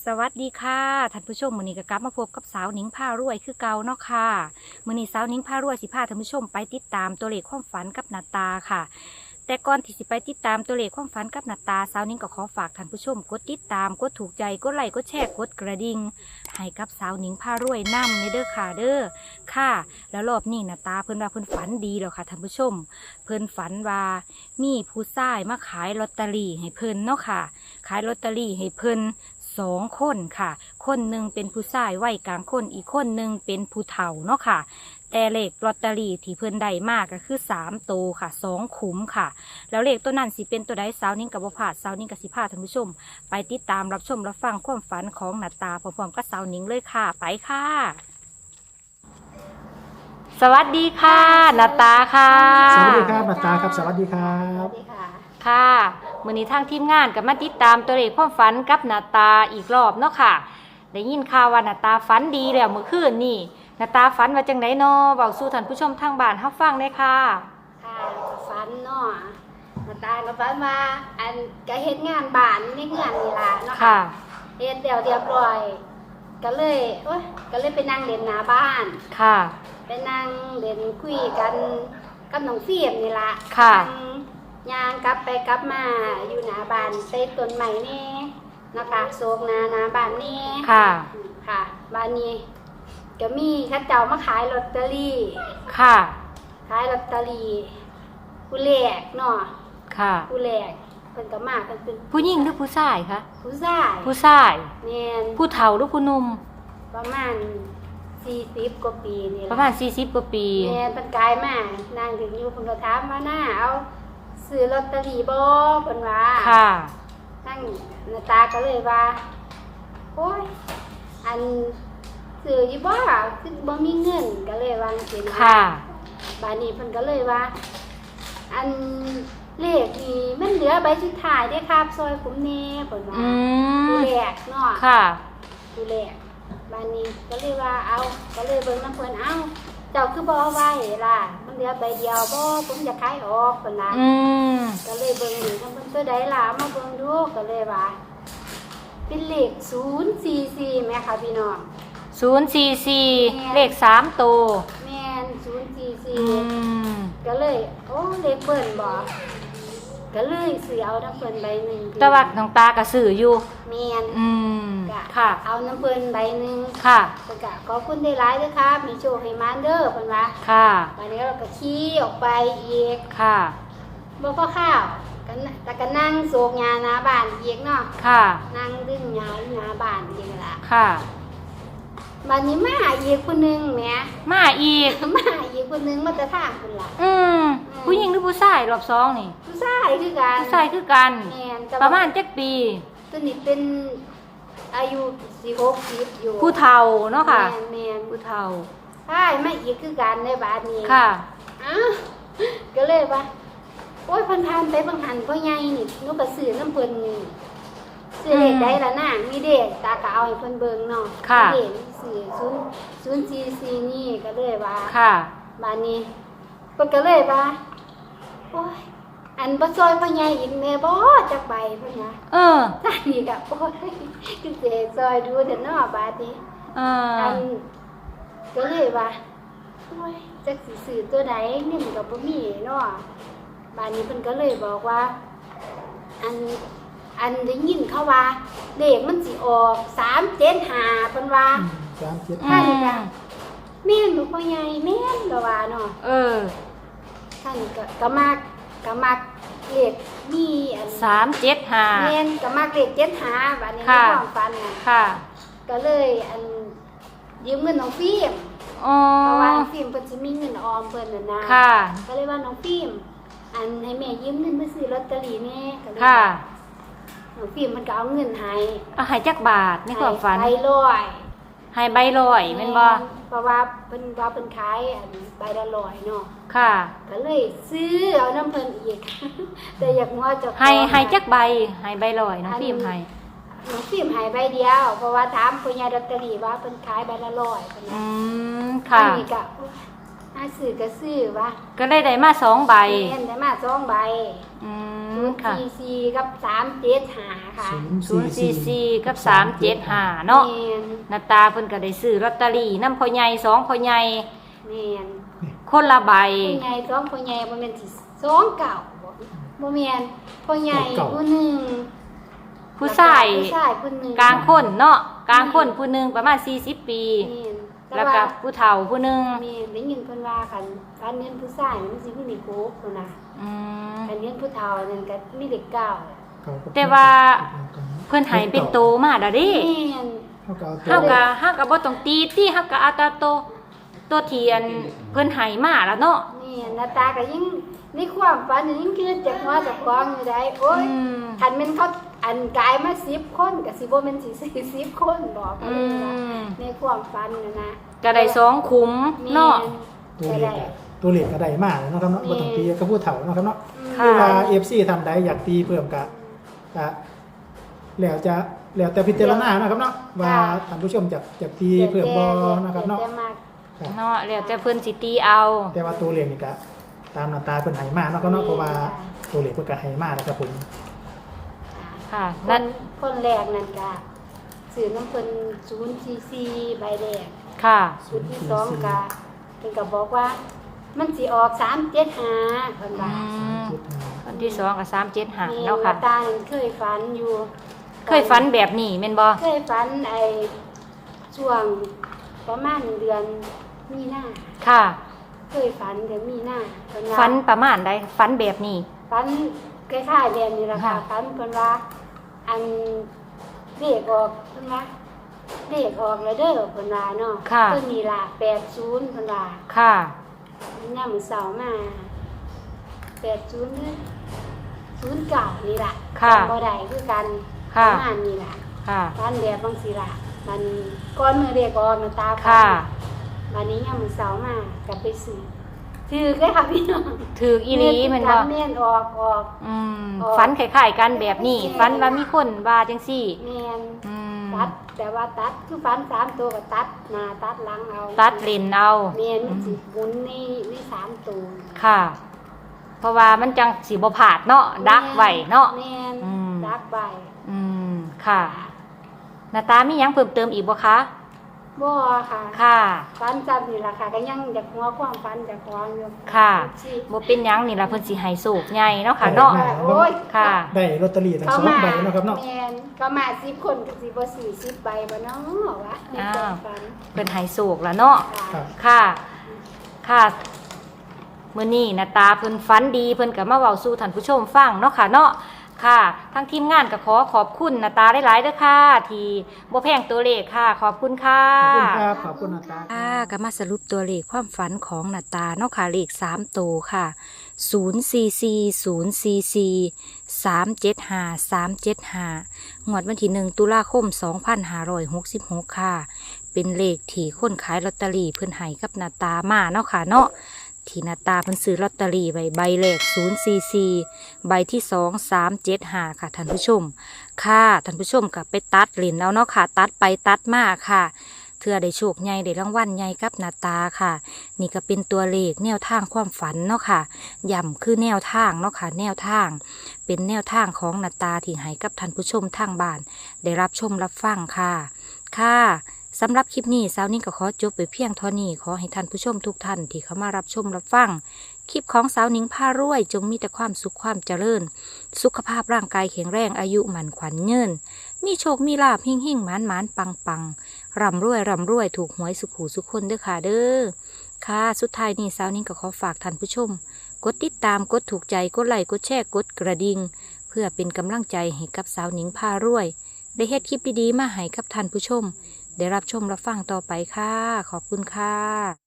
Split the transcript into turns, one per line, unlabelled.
สวัสดีค่ะท่านผู้ชมมื้อนี้ก็กลับมาพบกับสาวหนิงพารวยคือเก่าเนาะค่ะมื้อนี้สาวหนิงพารวยสิพาท่านผู้ชมไปติดตามตัวเลขความฝันกับหน้าตาค่ะแต่ก่อนที่สิไปติดตามตัวเลขความฝันกับหน้าตาสาวหนิงก็ขอฝากท่านผู้ชมกดติดตามกดถูกใจกดไลค์กดแชร์กดกระดิ่งให้กับสาวหนิงพารวยนำในเด้อค่ะเด้อค่ะแล้วรอบนี้หน้าตาเพิ่นว่าเพิ่นฝันดีแล้วค่ะท่านผู้ชมเพิ่นฝันว่ามีผู้ชายมาขายลอตเตอรี่ให้เพิ่นเนาะค่ะขายลอตเตอรี่ให้เพิ่น2 คนค่ะคนหนึ่งเป็นผู้ชายวัยกลางคนอีกคนหนึ่งเป็นผู้เฒ่าเนาะค่ะแต่เลขลอตเตอรี่ที่เพิ่นได้มากก็คือ3 ตัวค่ะ2 ขุมค่ะแล้วเลขตัวนั้นสิเป็นตัวใดสาวนิ่งกับบ่พลาดสาวนิ่งกับสิพาท่านผู้ชมไปติดตามรับชมรับฟังความฝันของหน้าตาพร้อมๆกับสาวนิ่งเลยค่ะไปค่ะสวัสดีค่ะหน้าตาค่ะ
สวัสดีครับหน้าตาครับสวัสดีครับ
ค่ะมื้อนี้ทางทีมงานก็มาติดตามตัวเลขความฝันกับหน้าตาอีกรอบเนาะค่ะได้ยินข่าวว่าหน้าตาฝันดีแล้วเมื่อคืนนี่หน้าตาฝันว่าจังได๋น้อเว้าสู่ท่านผู้ชมทางบ้านเฮาฟังเลยค่ะ
ค่ะฝันเนาะมาตายก็ฝันว่าอันก็เฮ็ดงานบ้านในเฮือนนี่ล่ะเนาะ
ค่ะ
เฮ็ดเรียบร้อยก็เลยก็เลยไปนั่งเล่นหน้าบ้าน
ค่ะ
ไปนั่งเล่นคุยกันกับน้องฟิล์มนี่ล่ะ
ค่ะ
นั่งย่างกลับไปกลับมาอยู่หน้าบ้านใต้ต้นไม้นี่นะคะโศกหน้าบ้านนี่
ค่ะ
ค่ะบ้านนี้ก็มีเขาเจ้ามาขายลอตเตอรี่
ค่ะ
ขายลอตเตอรี่ผู้แรกเนาะ
ค่ะ
ผู้แรกเพิ่นก็มาเพิ่นเป็น
ผู้หญิงหรือผู้ชายคะ
ผู้ชาย
ผู้ชาย
แม่น
ผู้เฒ่าหรือผู้หนุ่ม
ประมาณ40กว่าปีนี่
ประ
ล่ะ
มาณ40กว่าปี
แม่นเพิ่นกายมานางถึงอยู่เพิ่นก็ถามว่าหน้าเอาซื้อลอตเตอรี่บ่เพิ่นว่า
ค่ะ
นั่งหน้าตาก็เลยว่าโอ้ยอันซื้ออยู่บ่คือบ่มีเงินก็เลยวาจังซี่นะ
ค่ะ
บัดนี้เพิ่นก็เลยว่า อันเลขนี่มันเหลือใบสุดท้ายเด้ครับซอยผมแน่เพิ่นว่า
อืม
ผู้แรกเนาะ
ค่ะ
ผู้แรกบ้านนี้ก็เลยว่าเอาก็เลยเบิ่งน้ำเพิ่นเอาเจ้าคือบ่เอาไว้ล่ะมันเหลือใบเดียวบ่ผมจะขายออกเพิ่นว่า
อืม
ก็เลยเบิ่งนี่น้ำเพิ่นตัวใดล่ะมาเบิ่งดูก็เลยว่าเป็นเลข044แม่ค่ะพี่น้อง
044เลข3ตัว
แม่น
อื
044
ม
ก็เลยโอ้เลขเบิ่นบ่ก็เลยซื้อเอาน้ำเพิ่นใบหนึง
แต่ว่าน้องตาก็ซื้ออยู่
แม่น
อืม
ก็
ค่ะ
เอาน้ำเพิ่นใบหนึง
ค่ะ
เพิ่นก็ขอบคุณได้หลายเด้อครับมีโชคให้มานเด้อเพิ่นว่า
ค่ะ
วันนี้เราก็ขี่ออกไปอีก
ค่ะ
บ่พอข้าวกันแต่ก็นั่งโศกหญ้าหน้าบ้านอีกเนาะ
ค่ะ
นั่งดึงหญ้าอยู่หน้าบ้านอีกล่ะ
ค่ะ
บัดนี้มาอีกคนนึงแหม
มาอีก
มาอีกคนนึงมาแต่ทางพุ่นล่ะ
อืม ผู้หญิงหรือผู้ชายรอบสองนี่
ผู้ชายคือกัน
ผู้ชายคือกัน
แม่นแต่
ประ
ว่า
มาณ7 ปี
ตัวนี้เป็นอายุ60อยู่
ผู้เฒ่าเนาะค่ะ
แม่น
ผู้เฒ่า
ใช่มาอีกคือกันในบ้านนี้
ค่ะ
อ้าวก็เลยว่าโอ้ยเพิ่นทานไปบางหันพ่อใหญ่นี่หนูก็ซื้อน้ำเพิ่นนี่ซื้อเลขได้ละนางมีเด็กตาก็เอาให้เพิ่นเบิ่งเนาะ
ค่ะ
มีเด็กซื้อ044นี่ก็เลยว่า
ค่ะ
บ้านนี้เพิ่นก็เลยว่าโอ้ยอันบ่ซอยพ่อใหญ่อีกแม่บ่จักใบเพิ่นว่า
เออ
ท่านนี่ก็โอ้ยคือสิให้ซอยดูเด้อเนาะบาดนี้
เอ
อั
อน
ก็เลยว่าโอ้ยจักสิซื้อตัวใดเงินก็บ่มีเนาะบ้านนี้เพิ่นก็เลยบอกว่า อันได้ยินเขาว่าเลขมันสิออก375เพิ่นว่า
37
ท่านนี่ก็แม่นบ่พ่อใหญ่แม่นก็ว่าเนาะ
เออ
ท่านก็มักเลขมีอัน
375
แม่นก็มักเลข75บัดนี้ใน
ค่ะ
ความฝันน่ะ
ค่ะ
ก็เลยอันยืมเงินน้องฟิล์ม
อ๋อ
เพราะว่าน้องฟิล์มเพิ่นสิมีเงินออมเพิ่นน่ะนะ
ค่ะ
ก็เลยว่าน้องฟิล์มอันให้แม่ยืมเงินไปซื้อลอตเตอรี่แน่ก็เลย
ค่ะ
น้องฟิล์มมันก็เอาเงินให้
เอาให้จักบาทในความฝัน
ให้ร้อย
ให้ใบลอยแม่นบ่
เพราะว่าเพิ่นว่าเพิ่นขายอันใบละร้อยเนาะ
ค่ะ
ก็เลยซื้อเอาน้ำเพิ่นอีก แต่อยากว่าเจะ
ให้จักใบให้ใบลอยน้องฟิล์มให้
น้องฟิล์มให้ใบเดียว เพราะว่าถามผู้ใหญ่ลอตเตอรี่ว่าเพิ่นขายใบละร้อยเพิ่น
อื
ว่าม
ค่ะ
อันนี้ก็โอ๊ยซื้อก็ซื้อว่า
ก็เลยได้มา2 ใบ
เห็นได้มา2ใบ
อืมค่ะ
044กับ375ค่ะ
044กับ375เนาะ
แม่น
นาตาเพิ่นก็ได้ซื้อลอตเตอรี่นำพ่อใหญ่2พ่อใหญ่
แม่น
คนละใบ
พ่อใหญ่2พ่อใหญ่บ่แม่นสิ2เก่าบ่แม่นพ่อใหญ่ผู้หนึง
ผู้ชาย
ผู้หนึง
กลางคนเนาะกลางคนผู้หนึงประมาณ40 ปี
แม่น
แล้วก็ผู้เฒ่าผู้หนึง
แม่นได้ยินเพิ่นว่าคันการเงินผู้ชายมันสิมีเลข6พุ่นน่ะ
อืม
การเงินผู้เฒ่านั่นก็มีเลข9
แต่ว่า เพิ่นให้เป็นโตมาแล้วเด้
แม่น
เฮาก็บ่ต้องตีติเฮาก็เอาแต่ตัวเทียนเพิ่นให้มาแล้วเนาะ
นี่หน้าตาก็ยิ่งในความฝันยิ่งคิดจากหัวจากความอยู่ได้โอ้ย
อืม
คันแม่นเขาอันกายมา10คนก็สิบ่แม่นสิ40คนบอก
อืม
ในความฝันน่ะนะ
ก็ได้2ขุมเนาะ
ตัว
ก็
เล
ได้
ขตัวเลขก็ได้มากเลยเนาะครับเนาะบ่ต้องตีกับผู้เฒ่าเนาะครับเนาะ
ค่ะ
เวลา FC ทำใดอยากตีเพิ่มก็แล้วแต่พิจารณาเนาะครับเนาะว่าท่านผู้ชมจะตีเพิ่มบ่นะครับเนาะ
แต่มาก
ครับ
เนาะแล้วแต่เพิ่นสิตีเอา
แต่ว่าตัวเลขนี่ก็ตามหน้าตาเพิ่นให้มาเนาะครับเนาะเพราะว่าตัวเลขเพิ่นก็ให้มานะครับผม
ค่ะ
ค
นั่
น
น
คนแรกนั่นก็ซื้อน้ำเพิ่น044ใบแรก
ค่ะ
ชุดที่2ก็เพิ่นก็บอกว่ามันสิออก375เพิ่นว่า
วันที่2กับ375เนาะค่ะ
ตาเคยฝันอยู่
เคยฝันแบบนี้แม่นบ่
เคยฝันช่วงประมาณเดือนมีนา
ค่ะ
เคยฝันเดือนมีนาเพิ่นว่า
ฝันประมาณใดฝันแบบนี้
ฝันคล้ายๆแบบนี้ล่ะค่ะ
ค่ะ
ฝันเพิ่นว่าอันเลขออกเพิ่นว่าเลขออกแล้วเด้อเพิ่นว่าเนาะ
ค่ะ
เพิ่นนี่ล่ะ80เพิ่นว่า
ค่ะ
ยามมื้อเช้ามา80เนี่ย09นี่ล่ะ
ค่ะ
จำบ่ได้คือกันป
ค่ะ
ระมาณนี้ล่ะ
ค่ะ
ฝันแบบบางสิล่ะมันก้อนมือเรียกออกน้ำตาฝั
ค่ะ
วันนี้ยังมือเสาร์มากับไปซื้อถือเลยค่ะพี่น้อง
ถืออีหลีแม่นบ่
เมียนออก
อืม
ออก
ฝันคล้ายๆกันแบบนี้ฝันว่ามีคนว่าจังซี่
เมียน
อืม
ตัดแต่ว่าตัดคือฝัน3ตัวก็ตัดหน้าตัดหลังเอา
ตัดเลนเอา
เมียนมันสิหมุนนี่3ตัว
ค่ะ เพราะว่ามันจังสิบ่พลาดเนาะดักไว้เนาะ
เมียน
อืม
ดักไว้
อืมค่ะหน้าตามีหยังเพิ่มเติมอีกบ่คะ
บ่ค่ะ
ค่ะ
ฝันจำนี่ล่ะค่ะก็ยังอยากหัวความฝันจากความอยู่
ค่ะ
สิ
บ่เป็นหยังนี่ล่ะเพิ่นสิให้โศกใหญ่เนาะค่ะเนาะ
โอ้ย
ค่ะ
ได้ลอตเตอรี่ทั้งสองใบเนาะครับเนาะ
แม่นก็มา10คนก็สิบ่40ใบบ่เนาะวะในความฝัน
เพิ่นให้โศกแล้วเนาะ
ครับ
ค่ะ ค่ะมื้อนี้หน้าตาเพิ่นฝันดีเพิ่นก็มาเว้าสู่ท่านผู้ชมฟังเนาะค่ะเนาะค่ะทางทีมงานก็ขอขอบคุณหน้าตาหลายๆเด้อค่ะ ที่บ่แพงตัวเลขค่ะ ขอบคุณค่ะ
ขอบคุณครับขอบคุณหน้าตา
ค่ะก็มาสรุปตัวเลขความฝันของหน้าตาเนาะค่ะเลข3ตัวค่ะ044043375งวดวันที่1ตุลาคม2566ค่ะ เป็นเลขที่คนขายลอตเตอรี่เพิ่นให้กับหน้าตามาเนาะค่ะเนาะที่หน้าตาเพิ่นซื้อลอตเตอรี่ใบแรก044ใบที่2 375ค่ะท่านผู้ชมค่ะท่านผู้ชมก็ไปตัดเหรียญแล้วเนาะค่ะ ตัดไปตัดมาค่ะเทื่อได้โชคใหญ่ได้รางวัลใหญ่กับหน้าตาค่ะ นี่ก็เป็นตัวเลขแนวทางความฝันเนาะค่ะย่ำคือแนวทางเนาะค่ะแนวทาง เป็นแนวทางของหน้าตาที่ให้กับท่านผู้ชมทางบ้าน ได้รับชมรับฟังค่ะ ค่ะสำหรับคลิปนี้สาวนิ่งก็ขอจบไปเพียงเท่านี้ขอให้ท่านผู้ชมทุกท่านที่เข้ามารับชมรับฟังคลิปของสาวนิ่งพารวยจงมีแต่ความสุขความเจริญ สุขภาพร่างกายแข็งแรงอายุหมันขวัญยืนมีโชคมีลาภหิ่งๆหมานๆปังๆร่ำรวยถูกหวยสุขหูสุขคนเด้อค่ะเด้อค่ะสุดท้ายนี้สาวนิ่งก็ขอฝากท่านผู้ชม กดติดตามกดถูกใจกดไลค์กดแชร์กดกระดิ่งเพื่อเป็นกำลังใจให้กับสาวนิ่งพารวย ได้เฮ็ดคลิปดีๆมาให้กับท่านผู้ชม ได้รับชมรับฟังต่อไปค่ะ ขอบคุณค่ะ